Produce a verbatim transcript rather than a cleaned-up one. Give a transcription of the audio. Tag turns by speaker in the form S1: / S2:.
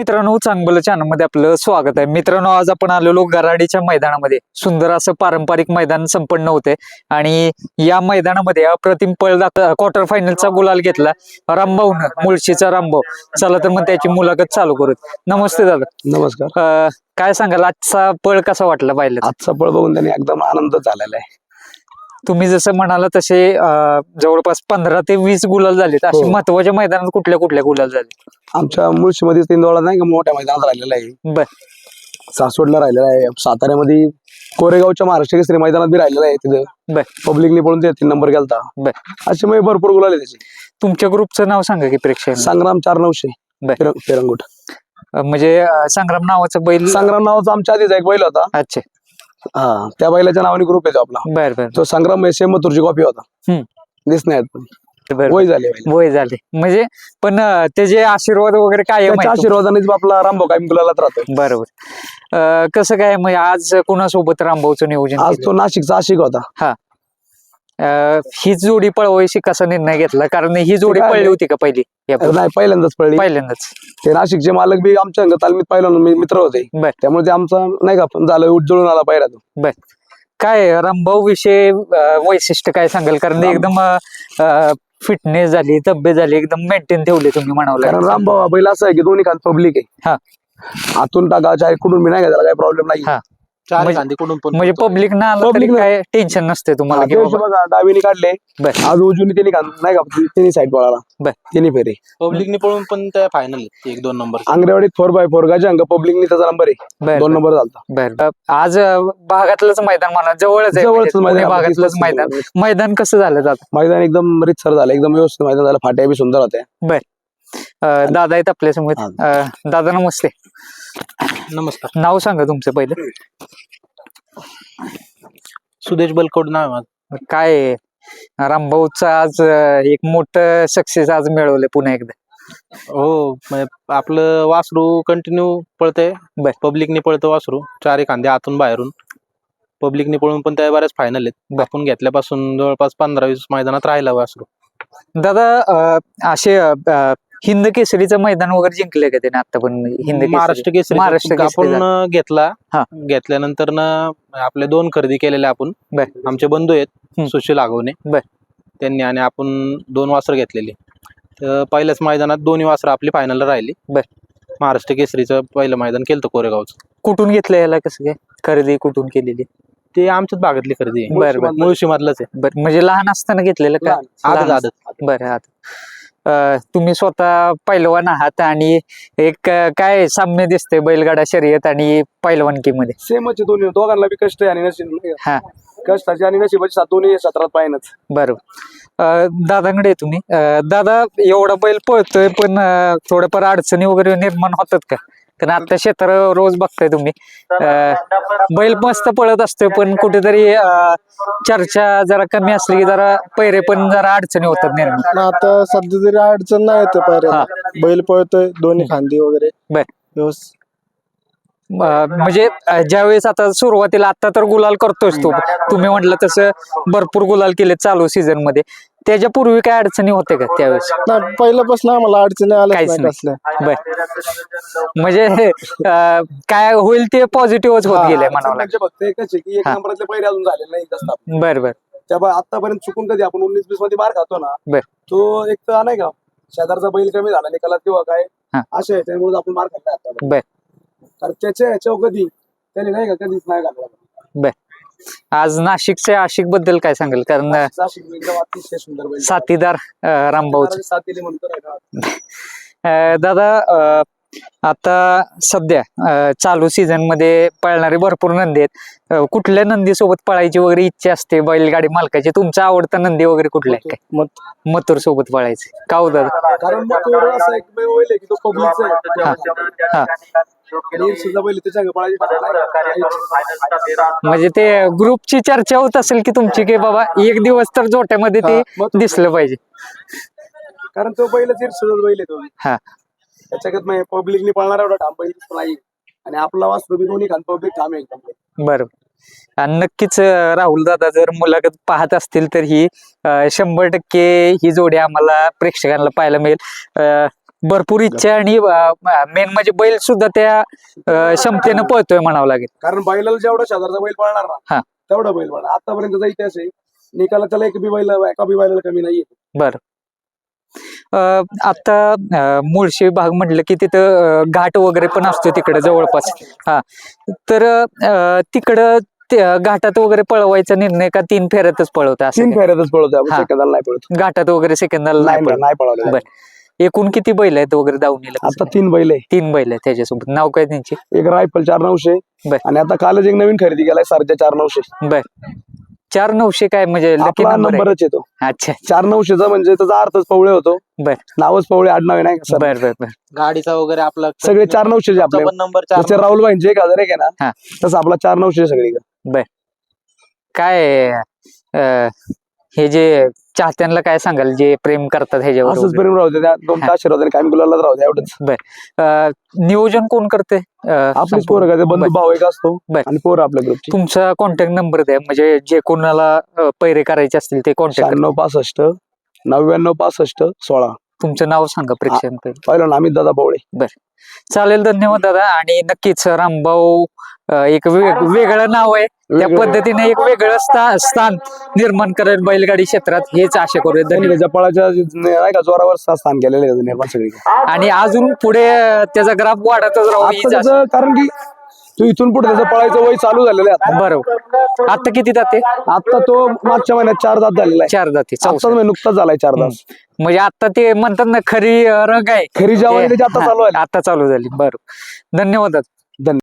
S1: मित्रांनो, चांगलं चॅनल मध्ये आपलं स्वागत आहे. मित्रांनो, आज आपण आलेलो गराडीच्या मैदानामध्ये. सुंदर असं पारंपरिक मैदान संपन्न होते आणि या मैदानामध्ये अप्रतिम पळ क्वार्टर फायनलचा गुलाल घेतला रामभाऊन, मुळशीचा रामभाऊ. चला तर मग त्याची मुलाखत चालू करू. नमस्ते दादा.
S2: नमस्कार.
S1: अं, काय सांगाल, आजचा पळ कसा वाटला पाहिलं?
S2: आजचा पळ बघून त्यांनी एकदम आनंद झालेला आहे.
S1: तुम्ही जसं म्हणाला तसे अं, जवळपास पंधरा ते वीस गुलाल झालेत. असे
S2: हो.
S1: महत्वाच्या मैदानात कुठल्या कुठल्या गुलाल झाले?
S2: आमच्या मुळशीमध्ये तीन नाही का मोठ्या मैदानात राहिलेला आहे.
S1: बर.
S2: सासवडला राहिलेला आहे. साताऱ्यामध्ये कोरेगावच्या महाराष्ट्र केसरी मैदानात बी राहिलेला आहे. तिथं
S1: बर.
S2: पब्लिकने पळून ते तीन नंबर गेलता.
S1: बर.
S2: असे म्हणजे भरपूर गुलाल आहे त्याचे.
S1: तुमच्या ग्रुपचं नाव सांगा की प्रेक्षक.
S2: संग्राम चार नऊशे
S1: बर.
S2: पेरंगुट.
S1: म्हणजे अं, संग्राम नावाचा बैल.
S2: संग्राम नावाचा आमच्या आधीचा एक बैल होता.
S1: अच्छा.
S2: हा, त्या बैलाच्या नावाने ग्रुप येतो आपला.
S1: बर बर
S2: तो संग्राम सेम मथुरची कॉपी होता.
S1: हम्म.
S2: दिस नाही पण
S1: बर.
S2: वय झाले बैल.
S1: वय झाले म्हणजे पण अं, त्याचे आशीर्वाद वगैरे काय
S2: त्याच्या आशीर्वादानेच आपला रामभाऊ कायम गुलालात राहतोय.
S1: बरोबर. अं, कसं काय म्हणजे आज कुणासोबत रामभाऊचं नियोजन
S2: आज
S1: केलं?
S2: तो नाशिकचा आशिक होता.
S1: अं, ही जोडी पळवायची कसा निर्णय घेतला? कारण ही जोडी
S2: काय
S1: पळली
S2: नाही.
S1: होती का पहिली? या पूर्वी?
S2: नाही, पहिल्यांदाच पळली.
S1: पहिल्यांदाच.
S2: ते नाशिकचे मालक बी आमच्या अंग तालमीत पाहिलं मित्र होते.
S1: बर.
S2: त्यामुळे ते आमचा नाही का झालं उज्जळून आला पाहिला तो.
S1: काय रामभाऊ विषय अं, वैशिष्ट्य काय सांगाल? कारण
S2: राम-
S1: एकदम फिटनेस झाली, तब्येत झाली, एकदम मेंटेन ठेवले तुम्ही म्हणावं
S2: कारण
S1: लागेल.
S2: रामभाऊ हा बैल असं आहे की दोन्ही खान पब्लिक आहे.
S1: हा.
S2: आतून टाका चाहे कुठून बी नाही का त्याला काही प्रॉब्लेम नाही.
S1: हा.
S3: चार
S1: म्हणजे-
S3: गांधी कडून पण
S1: म्हणजे पब्लिक ना आलं तरी
S2: Public ना-
S1: काय टेन्शन नसते तुम्हाला
S2: हा,
S1: की
S2: ते
S1: बाबा-
S2: बघा डावीने काढले.
S1: बर.
S2: आज उजून त्यांनी खान नाही का तिन्ही साईड पळाला.
S1: बर.
S2: तिन्ही फेरे
S3: पब्लिकने पळून पण त्या फायनल एक दोन नंबर
S2: आंगरेवाडीत फोर बाय फोर गाच्या अंग पब्लिकनी त्याचा नंबर आहे.
S1: बर,
S2: दोन
S1: बर.
S2: नंबर झालता.
S1: बर. आज अं, भागातलंच मैदान म्हणा, जवळच आहे
S2: जवळच
S1: म्हणजे पुणे
S2: मैदान,
S1: भागातलंच
S2: तीस-
S1: मैदान.
S2: पस्तीस
S1: मैदान कसं झालं दादा?
S2: मैदान एकदम रितसर झालं, एकदम व्यवस्थित मैदान झालं. फाट्या बी सुंदर होत्या.
S1: अं, दादा आहेत आपल्या समोर.
S2: हा.
S1: अं, दादा नमस्ते.
S3: नमस्कार.
S1: नाव सांगा तुमचं पहिलं.
S3: सुदेश बलकवड नाव आहे माझं.
S1: काय आहे? रामभाऊचं आज अं, एक मोठं सक्सेस आज मिळवलं पुन्हा एकदा.
S3: हो, म्हणजे आपलं वासरू कंटिन्यू पळतंय.
S1: बर.
S3: पब्लिकने पळतं वासरू चार खांदे आतून बाहेरून. पब्लिकने पळून पण त्या बऱ्याच फायनल आहेत.
S1: बर.
S3: आपण घेतल्यापासून जवळपास पंधरा वीस मैदानात राहिला वासरू.
S1: दादा अं, असे अं, हिंद केसरीचं मैदान वगैरे जिंकलंय का त्याने आता पण? हिंद केसरी?
S3: महाराष्ट्र केसरी
S1: महाराष्ट्र केसरी
S3: आपण
S1: झालं.
S3: घेतला.
S1: हा.
S3: घेतल्यानंतर ना आपले दोन खरेदी केलेले आपण.
S1: बर.
S3: आमचे बंधू आहेत
S1: हम्म.
S3: सुशील आगवणे.
S1: बर.
S3: त्यांनी आणि आपण दोन वासरं घेतलेली. तर पहिल्याच मैदानात दोन्ही वासरं आपली फायनल राहिली.
S1: बर.
S3: महाराष्ट्र केसरीचं पहिलं मैदान केलं कोरेगावचं.
S1: कुठून घेतलं याला? कसं काय खरेदी कुठून केलेली?
S3: ते आमच्याच भागातली खरेदी आहे.
S1: बर बर
S3: मुळशी मधलंच आहे.
S1: बर. म्हणजे लहान असताना घेतलेलं का?
S3: आदत
S1: लहान
S3: आदत
S1: बरं. आता अं, तुम्ही स्वतः पैलवान आहात आणि एक अं, काय साम्य दिसते बैलगाडा शर्यत आणि पैलवानकीमध्ये.
S2: सेमच आहे दोन्ही, दोघांना बी कष्ट आहे आणि नशीब नाही का?
S1: हा.
S2: कष्टाची आणि नशिबाची साथ दोन्ही सत्रात पाहिनच.
S1: बरोबर. अं, दादांकडे आहे तुम्ही. अं, दादा, एवढा बैल पळतोय पण अं, थोड्याफार अडचणी वगैरे निर्माण होतात का? कारण आता क्षेत्र रोज बघताय तुम्ही. अं, बैल मस्त पळत असतोय पण कुठेतरी अं, चर्चा जरा कमी असली की जरा पैरे पण जरा अडचणी होतात निर्माण.
S4: आता सध्या तरी अडचण नाही येते पायऱ्याला. बैल पळतोय दोन्ही खांदी वगैरे
S1: बर.
S4: व्यवस्थित.
S1: अं, म्हणजे अं, ज्यावेळेस आता सुरुवातीला आता तर गुलाल करतोयस तू, तुम्ही म्हटलं तसं भरपूर गुलाल केले चालू सीझन मध्ये. त्याच्या पूर्वी काय अडचणी होते का त्यावेळेस?
S4: नाही, पहिल्यापासून आम्हाला अडचणी आल्याच
S1: काहीच
S4: नाही
S1: नाही.
S4: कसल्या.
S1: बर. म्हणजे अं, काय होईल ते पॉझिटिव्हच होत गेले म्हणावं लागेल.
S2: म्हणजे फक्त एकच आहे की एक
S1: हा.
S2: नंबरातले पहिले अजून झाले नाही जास्त.
S1: बर बर
S2: त्यामुळे आतापर्यंत चुकून कधी आपण उन्नीस बीस मध्ये मार खातो ना,
S1: बर.
S2: तो एक तर नाही का शेजारचा बैल कमी झाला निकालात किंवा काय
S1: हा.
S2: असे आहे, त्यामुळे आपण मार खाल्ला आता.
S1: बर.
S2: कारण त्याच्या ह्याच्यावर कधी त्याने नाही का कधीच नाही घालला.
S1: बर. आज नाशिकच्या आशिक बद्दल काय सांगेल? कारण अं,
S2: नाशिक एकदम अतिशय सुंदर बैल.
S1: साथीदार अं, रामभाऊच.
S2: सात दिले म्हणतो नाही का.
S1: अं, दादा, अं, आता सध्या अं, चालू सीझन मध्ये पळणारे भरपूर नंदी आहेत. अं, कुठल्या नंदी सोबत पळायची वगैरे इच्छा असते बैलगाडी मालकाची? तुमचा आवडता नंदी वगैरे कुठला आहे काय?
S4: मत
S1: मथुर सोबत पळायचे का हो दादा?
S2: कारण मग तो असा एक बैल आहे की तो पब्लिकचा
S1: हा. हा.
S2: आहे. आणि सुद्धा बैल त्याच्या अंग पळायची
S1: म्हणजे ते ग्रुपची चर्चा होत असेल की तुमची की बाबा एक दिवस तर जोट्यामध्ये ते
S2: हा, मग-
S1: दिसलं पाहिजे.
S2: कारण तो बैल सुद्धा बैल आहे तो.
S1: हा.
S2: त्याच्यात पब्लिकनी पळणारा एवढा ठाम बैल दिसतो नाही. आणि आपला वासरू बी दोन्ही खान पब्लिक ठाम आहे एकदम.
S1: बरोबर. आणि नक्कीच अं, राहुल दादा जर मुलाखत पाहत असतील तर ही अं, शंभर टक्के ही जोडी आम्हाला प्रेक्षकांना पाहायला मिळेल. अं, भरपूर इच्छा आणि मेन म्हणजे बैल सुद्धा त्या अं, क्षमतेनं पळतोय म्हणावं लागेल.
S2: कारण बैलाला जेवढा शेजारचा बैल पळणार
S1: हा.
S2: ना तेवढा बैल पळणार. आतापर्यंतचा इतिहास आहे निकाला त्याला एक बी बैल एका बी बैलाला कमी नाहीये.
S1: बर आता अं, मुळशी भाग म्हटलं की तिथं अं, घाट वगैरे पण असतो तिकडे जवळपास. हा तर अं, तिकडं ते, अं, घाटात वगैरे पळवायचा निर्णय का तीन फेऱ्यातच पळवता असं
S2: तीन
S1: काय?
S2: फेऱ्यातच पळवतो आपण,
S1: हा.
S2: सेकंदाला नाही पळतो.
S1: घाटात वगैरे सेकंदाला
S2: नाही
S1: नाही
S2: नाही,
S1: पळत.
S2: नाही पळवलं.
S1: बर. एकूण किती बैल आहेत वगैरे दावणीला?
S2: आता तीन बैल आहे.
S1: तीन बैल आहेत त्याच्यासोबत. नाव काय त्यांची?
S2: एक रायफल चार नऊशे
S1: बर.
S2: आणि आता कालच एक नवीन खरेदी केलाय सरजा चार नऊशे.
S1: बर. चार नऊशे काय म्हणजे लकी
S2: आपला
S1: नंबर आहे?
S2: नंबरच येतो
S1: अच्छा.
S2: चार नऊशेचा, म्हणजे त्याचा अर्थच पवळे होतो.
S1: बर.
S2: नावच पवळे आडनाव आहे नाही का सर.
S1: बर बर बर.
S3: गाडीचा वगैरे आपला
S2: सगळे चार नऊशे आपले.
S3: नंबर
S2: जसे राहुल भाईंचे एक हजार एक आहे
S1: हा.
S2: ना तसं आपला चार नऊशे सगळी.
S1: काय अं, हे जे चाहत्यांना काय सांगाल जे प्रेम करतात ह्याच्यावर
S2: असंच
S1: वगैरे?
S2: प्रेम राहू दे, त्या दोन
S1: हा.
S2: आशीर्वाद कायम गुलालाच राहू दे एवढंच.
S1: अं, नियोजन कोण करते? अं,
S2: आपलीच
S1: संपूर्ण?
S2: पोरं काय बंधू
S1: बर.
S2: भाऊ एक असतो
S1: बर.
S2: आणि पोरं आपल्या ग्रुपची.
S1: तुमचा कॉन्टॅक्ट नंबर द्या म्हणजे जे कोणाला अं, पैरे करायचे असतील ते कॉन्टॅक्ट.
S2: शहाण्णव पासष्ट नव्याण्णव पासष्ट सोळा.
S1: तुमचं नाव सांगा प्रेक्षकांना.
S2: पाहिलं अमित दादा पवळे.
S1: चालेल, धन्यवाद दादा. आणि नक्कीच रामभाऊ अं, एक वेग- वेगळं नाव आहे, त्या
S2: वेगळं.
S1: पद्धतीने एक वेगळं स्था- स्थान निर्माण करेल बैलगाडी क्षेत्रात, हेच आशा करूया.
S2: त्यांनी
S1: धन्यवाद.
S2: त्याच्या पळाच्या नाही का जोरावर सा- स्थान केलेलं आहे निर्माण सगळी.
S1: आणि अजून पुढे अं, त्याचा ग्राफ वाढतच राहू
S2: आता
S1: हीच आशा.
S2: त्याचं कारण की तू इथून पुढे त्याचं पळायचं वय चालू झालेलं आहे आता.
S1: बरोबर. आता किती जाते?
S2: आता तो मागच्या महिन्यात चार दात झालेला आहे.
S1: चार जाती.
S2: आत्ताच
S1: चौसष्ट.
S2: म्हणजे नुकताच झालाय चार दात.
S1: म्हणजे आता ते म्हणतात ना खरी अं, रग आहे
S2: खरी जेवण
S1: ते-
S2: त्याची आता
S1: हा,
S2: चालू आहे.
S1: आता चालू झाली. बरोबर. धन्यवाद दादा.